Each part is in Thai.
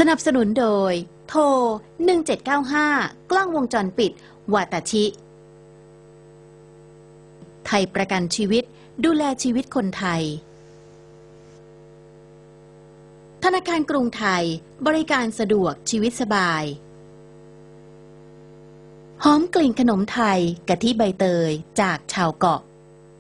สนับสนุนโดยโทร1795กล้องวงจรปิดวาตาชิไทยประกันชีวิตดูแลชีวิตคนไทยธนาคารกรุงไทยบริการสะดวกชีวิตสบายหอมกลิ่นขนมไทยกะทิใบเตยจากชาวเกาะ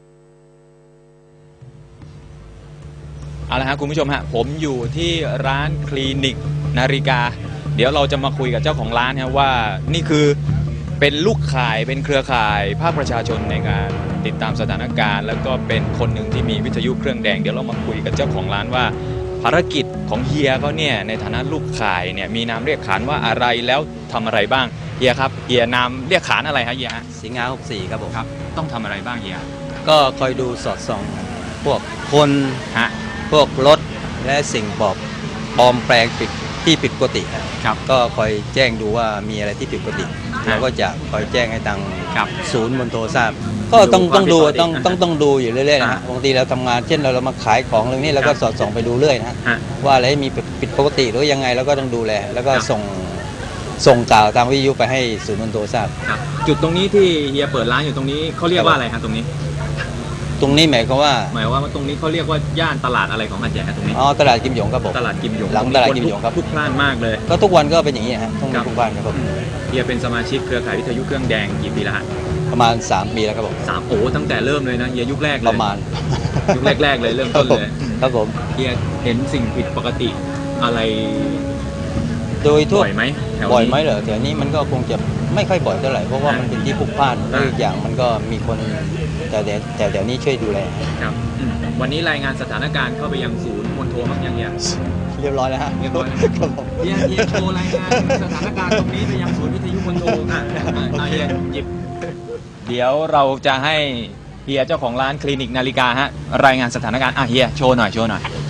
เอาละครับคุณผู้ชมฮะผมอยู่ที่ร้านคลินิกนาฬิกาเดี๋ยวเราจะมาคุยกับเจ้าของร้านครับว่านี่คือเป็นลูกข่ายเป็นเครือข่ายภาคประชาชนในการติดตามสถานการณ์แล้วก็เป็นคนหนึ่งที่มีวิทยุเครื่องแดงเดี๋ยวเรามาคุยกับเจ้าของร้านว่าภารกิจของเฮียเขาเนี่ยในฐานะลูกข่ายเนี่ยมีนามเรียกขานว่าอะไรแล้วทำอะไรบ้างเฮียครับเฮียนามเรียกขานอะไรฮะเฮียสิงหา64ครับผมครับต้องทำอะไรบ้างเฮียก็คอยดูสอดส่องพวกคนฮะพวกรถและสิ่งปลอมแปลงที่ผิดปกติครับก็คอยแจ้งดูว่ามีอะไรที่ผิดปกติเราก็จะคอยแจ้งให้ทางศูนย์มณฑลทราบก็ต้องดูต้องดูอยู่เรื่อยๆนะฮะบางทีเราทำงานเช่นเรามาขายของเรื่องนี้เราก็สอดส่องไปดูเรื่อยนะว่าอะไรมีผิดปกติหรือยังไงเราก็ต้องดูแลแล้วก็ส่งกล่าวทางวิทยุไปให้ศูนย์มณฑลทราบจุดตรงนี้ที่เฮียเปิดร้านอยู่ตรงนี้เขาเรียกว่าอะไรฮะตรงนี้หมายความว่าตรงนี้เขาเรียกว่าย่านตลาดอะไรของหาดใหญ่ตรงนี้ตลาดกิมหยงครับผมตลาดกิมหยงหลังตลาดกิมหยงครับทุกพล่านมากเลยก็ทุกวันก็เป็นอย่างนี้ฮะทุกวันครับผมเฮียเป็นสมาชิกเครือข่ายวิทยุเครื่องแดงกี่ปีแล้วฮะประมาณ3 ปีแล้วครับผมตั้งแต่เริ่มเลยนะเฮียยุคแรกเลยประมาณยุคแรกเลยเริ่มต้นเลยครับผมเฮียเห็นสิ่งผิดปกติอะไรโดยทั่วบ่อยไหมเหรอแถวนี้มันก็คงจะไม่ค่อยบ่อยเท่าไหร่เพราะว่ามันเป็นที่พลุกพล่านและอีกอย่างมันก็มีคนแต่เดี๋ยวนี้ช่วยดูแลครับวันนี้รายงานสถานการณ์เข้าไปยังศูนย์มณฑลมั้งยังเรียบร้อยแล้วฮะเรียบร้อยครับผมเฮียโชว์รายงานสถานการณ์ตรงนี้ไปยังศูนย์วิทยุมณฑลเฮียหยิบเดี๋ยวเราจะให้เฮียเจ้าของร้านคลินิกนาฬิกาฮะรายงานสถานการณ์เฮียโชว์หน่อย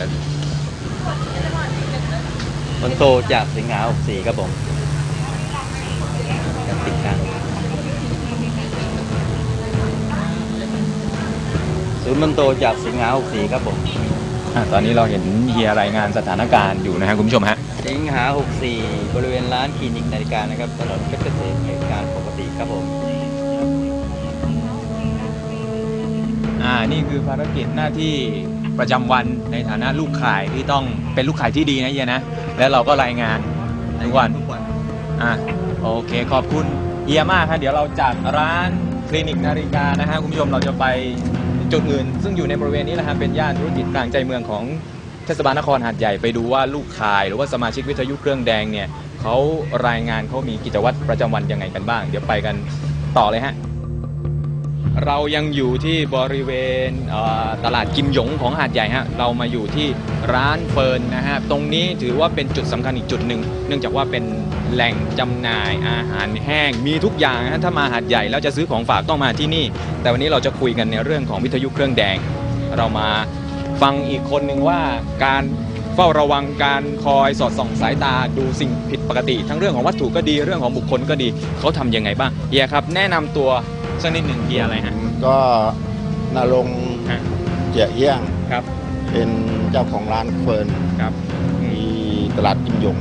มณฑลจากสิงหา64ครับผมติดกันศูนย์มณฑลจากสิงหา64ครับผมตอนนี้เราเห็นเฮียรายงานสถานการณ์อยู่นะครับคุณผู้ชมฮะสิงหา64บริเวณร้านคลินิกนาฬิกานะครับถนนเพชรเกษมเหตุการณ์ปกติครับผมนี่คือภารกิจหน้าที่ประจำวันในฐานะลูกข่ายที่ต้องเป็นลูกข่ายที่ดีนะเฮียนะแล้วเราก็รายงานทุกวันโอเคขอบคุณเฮียมากครับเดี๋ยวเราจากร้านคลินิกนาฬิกานะฮะคุณผู้ชมเราจะไปจุดอื่นซึ่งอยู่ในบริเวณนี้แหละครับเป็นย่านธุรกิจกลางใจเมืองของเทศบาลนครหาดใหญ่ไปดูว่าลูกข่ายหรือว่าสมาชิกวิทยุเครื่องแดงเนี่ยเขารายงานเขามีกิจวัตรประจำวันยังไงกันบ้างเดี๋ยวไปกันต่อเลยฮะเรายังอยู่ที่บริเวณตลาดกิมหยงของหาดใหญ่ฮะเรามาอยู่ที่ร้านเฟิร์นนะฮะตรงนี้ถือว่าเป็นจุดสำคัญอีกจุดหนึ่งเนื่องจากว่าเป็นแหล่งจำหน่ายอาหารแห้งมีทุกอย่างฮะถ้ามาหาดใหญ่แล้วจะซื้อของฝากต้องมาที่นี่แต่วันนี้เราจะคุยกันในเรื่องของวิทยุเครื่องแดงเรามาฟังอีกคนหนึ่งว่าการเฝ้าระวังการคอยสอดส่องสายตาดูสิ่งผิดปกติทั้งเรื่องของวัตถุก็ดีเรื่องของบุคคลก็ดีเขาทำยังไงบ้างเฮียครับแนะนำตัวสักนิดหนึ่งเฮียอะไรฮะก็นรงค์เจียเอี้ยงครับเป็นเจ้าของร้านเฟิร์นครับที่ตลาดกิมหยง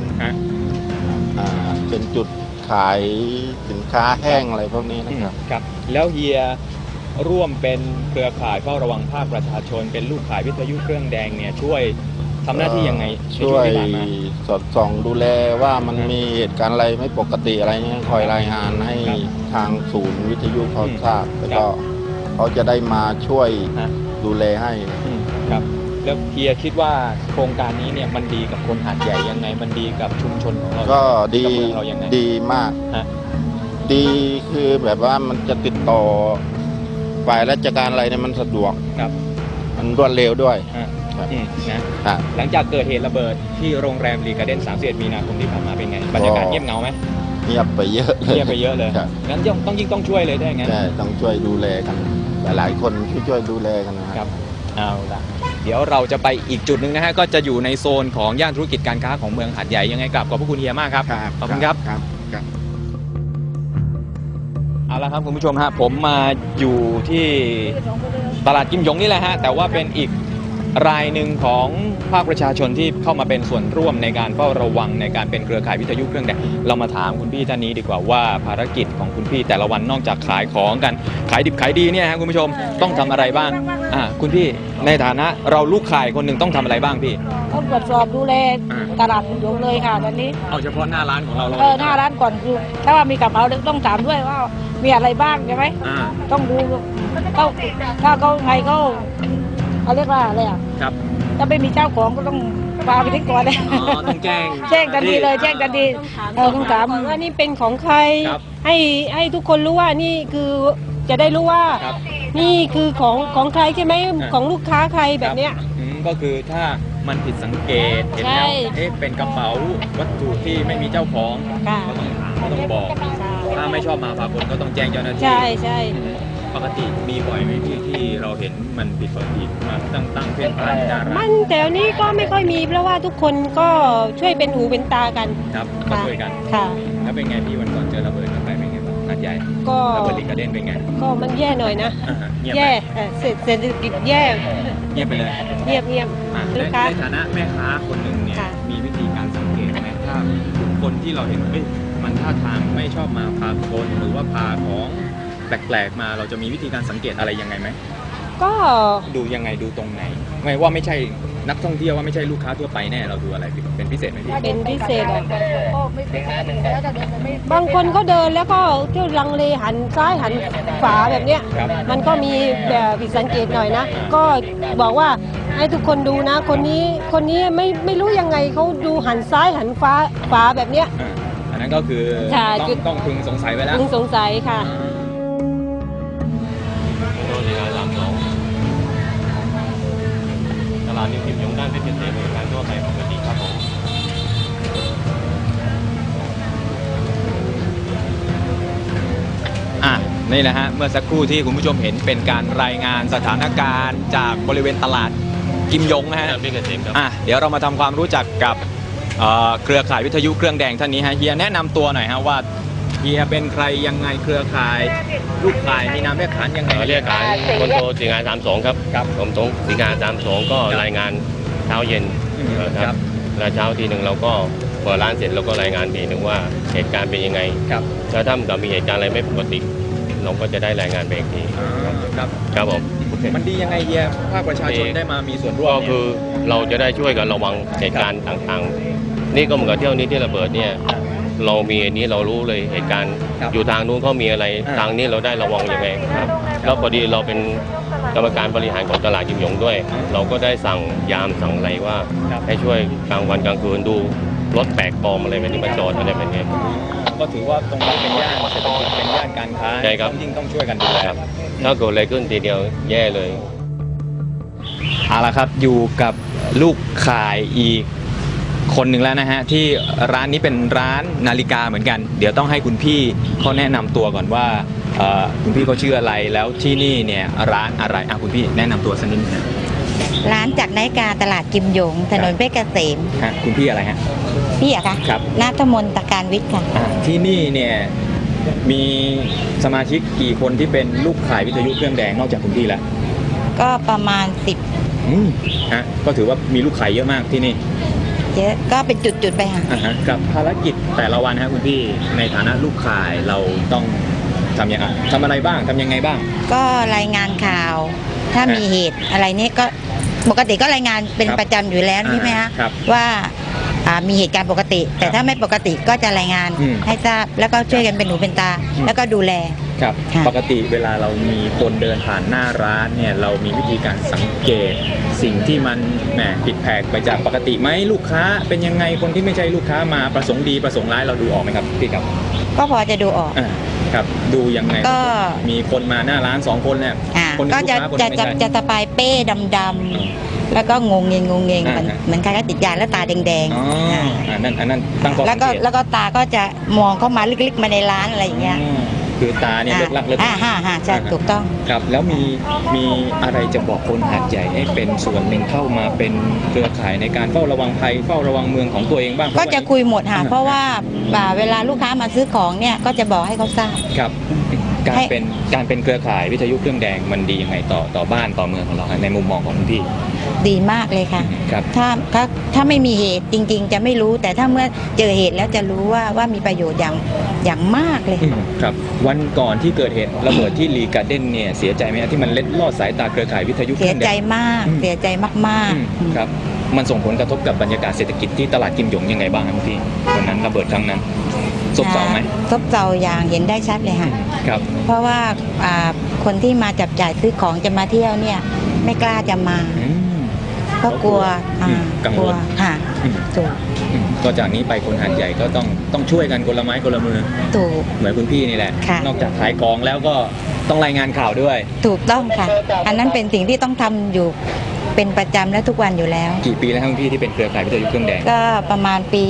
เป็นจุดขายสินค้าแห้งอะไรพวกนี้นะครับครับแล้วเฮียร่วมเป็นเครือข่ายเฝ้าระวังภาคประชาชนเป็นลูกข่ายวิทยุเครื่องแดงเนี่ยช่วยทำหน้าที่ยังไงช่วยสอดส่องดูแลว่ามันมีเหตุการณ์อะไรไม่ปกติอะไรเงี้ยคอยรายงานให้ทางศูนย์วิทยุเขาทราบแล้วก็เขาจะได้มาช่วยดูแลให้ครับแล้วเฮียคิดว่าโครงการนี้เนี่ยมันดีกับคนหาดใหญ่ยังไงมันดีกับชุมชนของเราก็ดีมากดีคือแบบว่ามันจะติดต่อฝ่ายราชการอะไรเนี่ยมันสะดวกมันรวดเร็วด้วยหลังจากเกิดเหตุระเบิดที่โรงแรมรีการ์เด้น31 มีนาคมที่ผ่านมาเป็นไงบรรยากาศเงียบเหงาไหมเงียบไปเยอะเลยงั้นต้องช่วยเลยได้ไงใช่ต้องช่วยดูแลกันหลายคนช่วยดูแลกันนะครับเอาละเดี๋ยวเราจะไปอีกจุดหนึ่งนะฮะก็จะอยู่ในโซนของย่านธุรกิจการค้าของเมืองหาดใหญ่ยังไงกลับขอบพระคุณเฮียมากครับขอบคุณครับเอาละครับคุณผู้ชมฮะผมมาอยู่ที่ตลาดกิมหยงนี่แหละฮะแต่ว่าเป็นอีกรายหนึ่งของภาคประชาชนที่เข้ามาเป็นส่วนร่วมในการเฝ้าระวังในการเป็นเครือข่ายวิทยุเครื่องแดงเรามาถามคุณพี่ท่านนี้ดีกว่าว่าภารกิจของคุณพี่แต่ละวันนอกจากขายของกันขายดิบขายดีเนี่ยฮะคุณผู้ชมต้องทำอะไรบ้างคุณพี่ในฐานะเราลูกข่ายคนหนึ่งต้องทำอะไรบ้างพี่ต้องตรวจสอบดูแลตลาดกิมหยงเลยค่ะตอนนี้เอาเฉพาะหน้าร้านของเราหน้าร้านก่อนคือถ้าว่ามีกระเป๋าต้องถามด้วยว่ามีอะไรบ้างใช่ไหมต้องดูถ้าเขาไงเขาเรียกว่าอะไรครับถ้าไม่มีเจ้าของก็ต้องพาไปทิ้งก่อนเลยต้องแจ้งทันทีเลยแจ้งทันทีต้องถามว่านี่เป็นของใครให้ทุกคนรู้ว่านี่คือจะได้รู้ว่านี่คือของใครใช่ไหมของลูกค้าใครแบบเนี้ยก็คือถ้ามันผิดสังเกตเห็นแล้วเป็นกระเป๋าวัตถุที่ไม่มีเจ้าของก็ต้องถามก็ต้องบอกถ้าไม่ชอบมาพากลก็ต้องแจ้งเจ้าหน้าที่ใช่ปกติมีบ่อยไหมที่เราเห็นมันผิดปกติมาตั้งเพื่อนพานหน้าร้านมันแต่นี้ก็ไม่ค่อยมีเพราะว่าทุกคนก็ช่วยเป็นหูเป็นตากันครับมาช่วยกันค่ะแล้วเป็นไงพี่วันก่อนเจอระเบิดกับใครเป็นไงบ้างนัดใหญ่ก็ระเบิดลิงกระเด็นเป็นไงก็มันแย่หน่อยนะแย่เศรษฐกิจแย่เงียบไปเลยเงียบในฐานะแม่ค้าคนหนึ่งเนี่ยมีวิธีการสังเกตไหมถ้าคนที่เราเห็นมันท่าทางไม่ชอบมาพากลหรือว่าพาของแปลกๆมาเราจะมีวิธีการสังเกตอะไรยังไงไหมก็ดูยังไงดูตรงไหนไม่ว่าไม่ใช่นักท่องเที่ยวว่าไม่ใช่ลูกค้าทั่วไปแน่เราดูอะไรเป็นพิเศษไหมพี่เป็นพิเศษบางคนก็เดินแล้วก็เที่ยวลังเลหันซ้ายหันขวาแบบเนี้ยมันก็มีแบบผิดสังเกตหน่อยนะก็บอกว่าให้ทุกคนดูนะคนนี้ไม่รู้ยังไงเขาดูหันซ้ายหันขวาแบบเนี้ยอันนั้นก็คือต้องพึงสงสัยไปแล้วพึงสงสัยค่ะตลาดนิวกิมหยงด้านเพชรเกษมบริการทั่วไปปกติครับผมนี่แหละฮะเมื่อสักครู่ที่คุณผู้ชมเห็นเป็นการรายงานสถานการณ์จากบริเวณตลาดกิมหยงนะฮะเพชรเกษมครับเดี๋ยวเรามาทำความรู้จักกับเครือข่ายวิทยุเครื่องแดงท่านนี้ฮะเฮียแนะนำตัวหน่อยฮะว่าเฮียเป็นใครยังไงเครือข่ายลูกข่ายมีนามเรียกขานยังไงเรียกขานคนโทสิงหา32ครับผมตรงสิงหา32ก็รายงานเช้าเย็นครับแล้วเช้าทีหนึ่งเราก็พอร้านเสร็จเราก็รายงานทีหนึ่งว่าเหตุการณ์เป็นยังไงแล้วถ้ามีเหตุการณ์อะไรไม่ปกติเราก็จะได้รายงานไปอีกทีครับผมมันดียังไงเฮียภาคประชาชนได้มามีส่วนร่วมก็คือเราจะได้ช่วยกันระวังเหตุการณ์ต่างๆนี่ก็เหมือนกับเที่ยวนี้ที่ระเบิดเนี่ยเรามีอันนี้เรารู้เลยเหตุการณ์อยู่ทางนู้นเขามีอะไรทางนี้เราได้ระวังยังไงครับแล้วพอดีเราเป็นกรรมการบริหารของตลาดกิมหยงด้วยเราก็ได้สั่งยามสั่งอะไรว่าให้ช่วยกลางวันกลางคืนดูรถแปลกปลอมอะไรแบบนี้มาจอดอะไรแบบนี้ก็ถือว่าตรงนี้เป็นย่านเศรษฐกิจเป็นย่านการค้าจริงต้องช่วยกันดูแลถ้าเกิดอะไรขึ้นทีเดียวแย่เลยเอาละครับอยู่กับลูกข่ายอีกคนหนึ่งแล้วนะฮะที่ร้านนี้เป็นร้านนาฬิกาเหมือนกันเดี๋ยวต้องให้คุณพี่เขาแนะนำตัวก่อนว่าคุณพี่เขาชื่ออะไรแล้วที่นี่เนี่ยร้านอะไรคุณพี่แนะนำตัวสักนิดนึงร้านจากนาฬิกาตลาดกิมหยงถนนเพชรเกษมคุณพี่อะไรฮะพี่อะคะครับณัฐมนตการวิทย์ค่ะที่นี่เนี่ยมีสมาชิกกี่คนที่เป็นลูกข่ายวิทยุเครื่องแดงนอกจากคุณพี่แล้วก็ประมาณ 10ก็ถือว่ามีลูกข่ายเยอะมากที่นี่เยอะก็เป็นจุดๆไปค่ะกับภารกิจแต่ละวันคุณพี่ในฐานะลูกข่ายเราต้องทำยังไงทำอะไรบ้างทำยังไงบ้างก็รายงานข่าวถ้ามีเหตุอะไรนี่ก็ปกติก็รายงานเป็นประจำอยู่แล้วใช่ไหมคะว่ามีเหตุการณ์ปกติแต่ถ้าไม่ปกติก็จะรายงานให้ทราบแล้วก็ช่วยกันเป็นหูเป็นตาแล้วก็ดูแลครับปกติเวลาเรามีคนเดินผ่านหน้าร้านเนี่ยเรามีวิธีการสังเกตสิ่งที่มันผิดแผกไปจากปกติไหมลูกค้าเป็นยังไงคนที่ไม่ใช่ลูกค้ามาประสงค์ดีประสงค์ร้ายเราดูออกไหมครับพี่ครับก็พอจะดูออกครับดูยังไงก็มีคนมาหน้าร้าน2คนเนี่ยก็จะสปายเป้ดำๆแล้วก็งงเงงเหมือนใครก็ติดยาแล้วตาแดงๆอันนั้นตั้งข้อสังเกตแล้วก็ตาก็จะมองเข้ามาลึกๆมาในร้านอะไรอย่างเงี้ยคือตาเนี่ยเลิกลักเลิกใช่ถูกต้องครับแล้วมีอะไรจะบอกคนหาดใหญ่ให้เป็นส่วนหนึ่งเข้ามาเป็นเครือข่ายในการเฝ้าระวังภัยเฝ้าระวังเมืองของตัวเองบ้างก็จะคุยหมดค่ะเพราะว่าเวลาลูกค้ามาซื้อของเนี่ยก็จะบอกให้เขาทราบครับการเป็นเครือข่ายวิทยุเครื่องแดงมันดียังไงต่อบ้านต่อเมืองของเราในมุมมองของคุณพี่ดีมากเลยค่ะครับถ้าไม่มีเหตุจริงๆจะไม่รู้ แต่ถ้าเมื่อเจอเหตุแล้วจะรู้ว่ามีประโยชน์อย่างมากเลยครับวันก่อนที่เกิดเหตุระเบิดที่ลีการ์เด้นเนี่ยเสียใจไหมที่มันเล็ดลอดสายตาเครือข่ายวิทยุเคเสีรื่ยองแดใจงมากเสียใจมากๆครับมันส่งผลกระทบกับบรรยากาศเศรษฐกิจที่ตลาดกิมหยงยังไงบ้างครับพี่วันนั้นระเบิดครั้งนั้นซบเซาไหมซบเซาอย่างเห็นได้ชัดเลยค่ะครับเพราะว่าคนที่มาจับจ่ายซื้อของจะมาเที่ยวเนี่ยไม่กล้าจะมาเพราะกลัวกังวลค่ะถูกก็จากนี้ไปคนหาดใหญ่ก็ต้องช่วยกันคนละไม้คนละมือถูกเหมือนคุณพี่นี่แหละค่ะนอกจากขายของแล้วก็ต้องรายงานข่าวด้วยถูกต้องค่ะ อันนั้นเป็นสิ่งที่ต้องทำอยู่เป็นประจำและทุกวันอยู่แล้วกี่ปีแล้วครับคุณพี่ที่เป็นเครือข่ายวิทยุเครื่องแดงก็ประมาณปี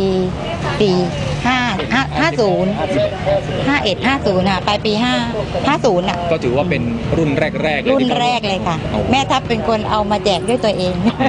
50 51 50ปลายปี50อ่ะก็ถือว่าเป็นรุ่นแรกๆเลยรุ่นที่แรกเลยค่ะเอาแม่ทัพเป็นคนเอามาแจกด้วยตัวเอง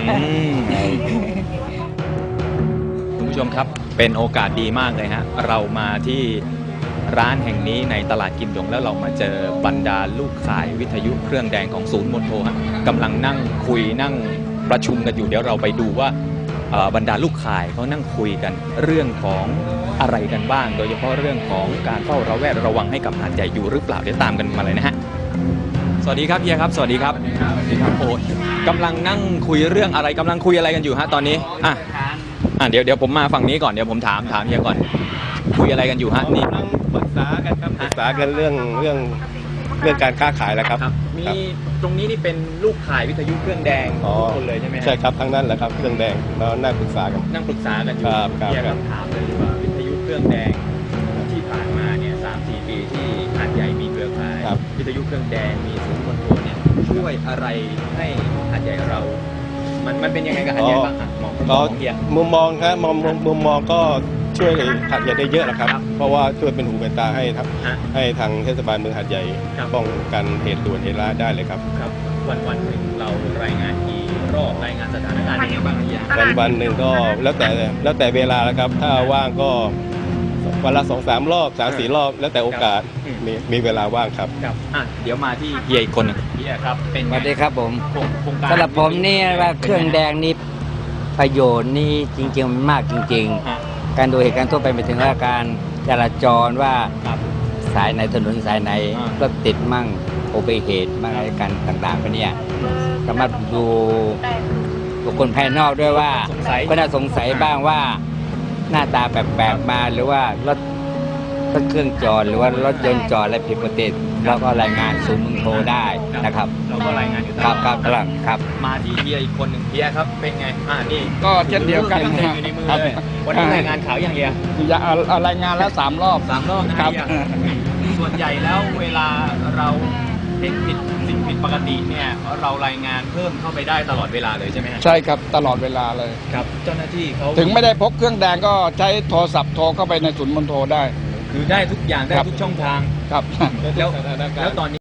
คุณผู้ชมครับเป็นโอกาสดีมากเลยฮะเรามาที่ร้านแห่งนี้ในตลาดกิมหยงแล้วเรามาเจอบรรดาลูกขายวิทยุเครื่องแดงของศูนย์มณฑลฮะกำลังนั่งคุยนั่งประชุมกันอยู่เดี๋ยวเราไปดูว่าบรรดาลูกขายเขานั่งคุยกันเรื่องของอะไรกันบ้าง โดยเฉพาะเรื่องของการเฝ้าระแวดระวังให้กับหาดใหญ่อยู่หรือเปล่าเดี๋ยวตามกันมาเลยนะฮะสวัสดีครับเฮียครับสวัสดีครับโอ้กำลังนั่งคุยเรื่องอะไรกำลังคุยอะไรกันอยู่ฮะตอนนี้เดี๋ยวผมมาฝั่งนี้ก่อนเดี๋ยวผมถามเฮียก่อนคุยอะไรกันอยู่ฮะนี่ปรึกษากันครับปรึกษากันเรื่องการค้าขายแล้วครับมีตรงนี้นี่เป็นลูกขายวิทยุเครื่องแดงทุกคนเลยใช่ไหมใช่ครับทั้งนั้นแหละครับเครื่องแดงแล้วนั่งปรึกษากันนั่งปรึกษากันอยู่ครับเฮียก็ถามเลยว่าวิทยุเครื่องแดงที่ผ่านมาเนี่ย3-4 ปีที่หาดใหญ่มีเครือข่ายวิทยุเครื่องแดงมีศูนย์คอนโทรลเนี่ยช่วยอะไรให้หาดใหญ่เรา มันเป็นยังไงกับหาดใหญ่บ้างอ่ะมองเฮียมุมมองครับมุมมองก็ช่วยหาดใหญ่ได้เยอะนะครับ เพราะว่าช่วยเป็นหูเป็นตาให้ครับให้ทางเทศบาลเมืองหาดใหญ่ป้องกันเหตุด่วนเหตุร้ายได้เลยครับครับวันหนึ่งเรารายงานกี่รอบรายงานสถานการณ์ยังไงบ้างเฮียวันหนึ่งก็แล้วแต่เวลาแล้วครับถ้าว่างก็วันละ 2-3 รอบ 3-4 รอบ แล้วแต่โอกาสมีเวลาว่างครับครับเดี๋ยวมาที่เฮียอีกคนหนึงเฮียครับเป็นสวัสดีครับผมโครงการสำหรับผมนี่ว่าเครื่องแดงนี่ประโยชน์นี่จริงๆมันมากจริง ๆ การดูเหตุการณ์ทั่วไปไปถึงว่าการจราจรว่าสายไหนถนนสายไหนรถติดมั่งอุบัติเหตุมั่งอะไรกันต่างๆไปเนี่ยสามารถดูบุคคลภายนอกด้วยว่าก็น่าสงสัยบ้างว่าหน้าตาแปลกๆมาหรือว่ารถเครื่องจอดหรือว่ารถยนต์จอดอะไรผิดปกติเราก็รายงานศูนย์มึงโทรได้นะครับเราก็รายงานอยู่ตลคอรัดบครับมาที่เฮียอีกคนหนึ่งเฮียครับเป็นไงนี่ก็เช่นเดียวกันเต็มอยู่ในมือเลยวันนี้รายงานข่าวอย่างเฮียรายงานแล้ว3 รอบ 3 รอบนะคครัรับ บส่วนใหญ่แล้วเวลาเราเห็นสิ่งผิดปกติเนี่ยเรารายงานเพิ่มเข้าไปได้ตลอดเวลาเลยใช่ไหมฮะใช่ครับตลอดเวลาเลยครับเจ้าหน้าที่เขาถึงไม่ได้พกเครื่องแดงก็ใช้โทรศัพท์โทรเข้าไปในศูนย์มณฑลได้คือได้ทุกอย่างได้ครับทุกช่องทางครับแล้วตอนนี้